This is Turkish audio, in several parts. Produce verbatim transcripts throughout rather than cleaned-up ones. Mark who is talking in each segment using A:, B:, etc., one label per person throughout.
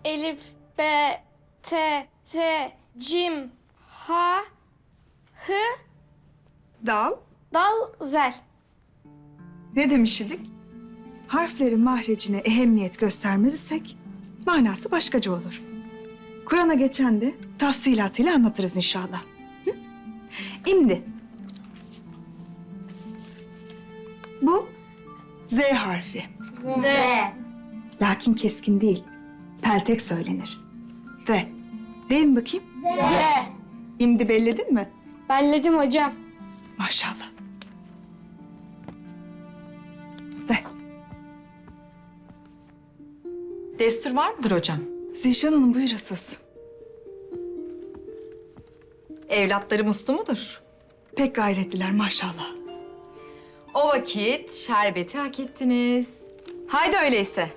A: Elif, B, T, T, Cim, H, Hı,
B: Dal.
A: Dal, Zel.
B: Ne demiş idik? Harflerin mahrecine ehemmiyet göstermez isek manası başkaca olur. Kur'an'a geçen de tafsilatıyla anlatırız inşallah. Hı? İmdi. Bu Z harfi.
A: Z.
B: Lakin keskin değil. Peltek söylenir. Ve. Değil mi bakayım?
A: Z.
B: İmdi belledin mi?
A: Belledim hocam.
B: Maşallah. Ve.
C: Destur var mıdır hocam?
B: Zişan Hanım buyurasız.
C: Evlatları muslu mudur?
B: Pek gayretliler maşallah.
C: O vakit şerbeti hak ettiniz. Haydi öyleyse.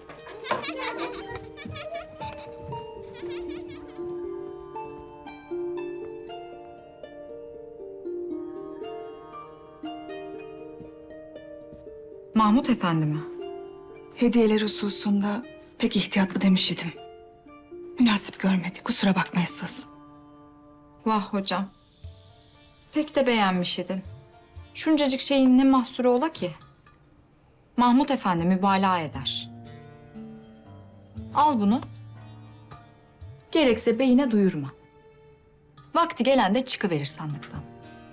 C: Mahmut Efendi mi?
B: Hediyeler hususunda pek ihtiyatlı demiş idim. Münasip görmedi. Kusura bakmayasınız.
C: Vah hocam. Pek de beğenmiş idin. Şuncacık şeyin ne mahsuru ola ki? Mahmut Efendi mübalağa eder. Al bunu. Gerekse beyine duyurma. Vakti gelen de çıkıverir sandıktan.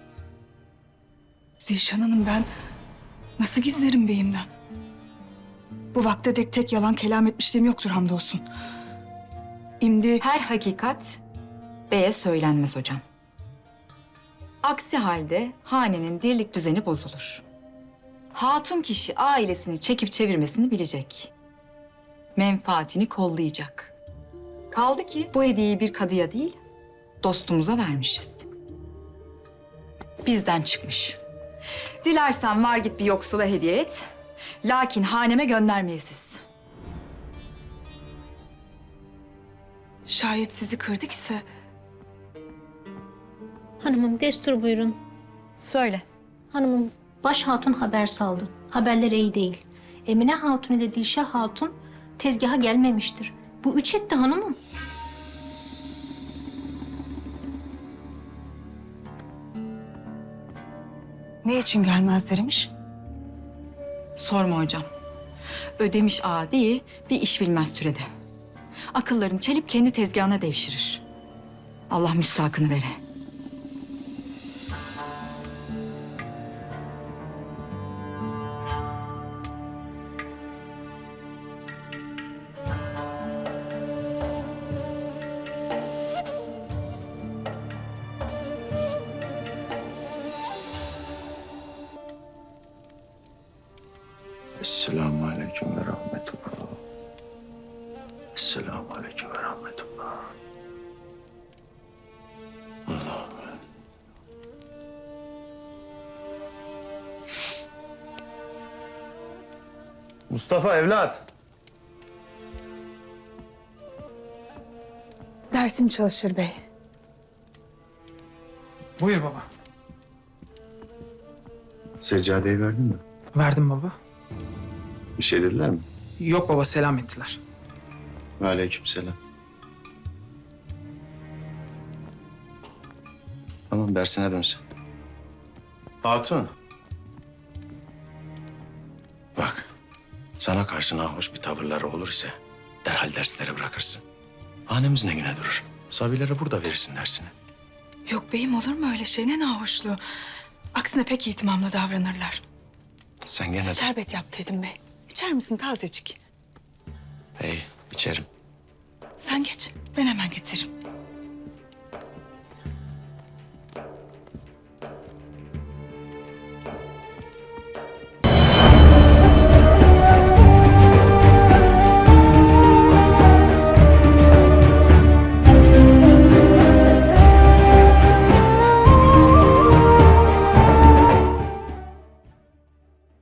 B: Zişan Hanım ben nasıl gizlerim beyimden? Bu vakte dek tek yalan kelam etmişliğim yoktur hamdolsun. İmdi
C: Her hakikat beye söylenmez hocam. Aksi halde hanenin dirlik düzeni bozulur. Hatun kişi ailesini çekip çevirmesini bilecek. Menfaatini kollayacak. Kaldı ki bu hediyeyi bir kadıya değil, dostumuza vermişiz. Bizden çıkmış. Dilersen var git bir yoksula hediye et. Lakin haneme göndermeyesiz.
B: şayet sizi kırdık ise
D: Hanımım destur buyurun.
C: Söyle.
D: Hanımım baş hatun haber saldı. Haberler iyi değil. Emine Hatun ile Dilşah Hatun tezgaha gelmemiştir. Bu üç etti hanımım.
B: ne için gelmezlermiş?
C: Sorma hocam. Ödemiş ağa değil, bir iş bilmez türede. Akıllarını çelip kendi tezgahına devşirir. Allah müstahakını vere.
E: Esselamu aleyküm ve rahmetullah. Esselamu aleyküm ve rahmetullah. Allah'ım. Mustafa evlat.
B: Dersin çalışır bey.
F: Buyur baba.
E: Seccadeyi verdin mi?
F: Verdim baba.
E: Bir şey dediler mi?
F: Yok baba, selam ettiler.
E: Ve aleyküm selam. Tamam dersine dönsün. Hatun. Bak, sana karşı nahoş bir tavırları olur ise derhal dersleri bırakırsın. Hanemiz ne güne durur. Sabilere burada verirsin dersini.
B: Yok beyim olur mu öyle şey? Ne nahoşluğu. Aksine pek itimamlı davranırlar.
E: Sen gene de...
B: Şerbet yaptıydım bey. İçer misin tazecik?
E: Hey, içerim.
B: Sen geç. Ben hemen getiririm.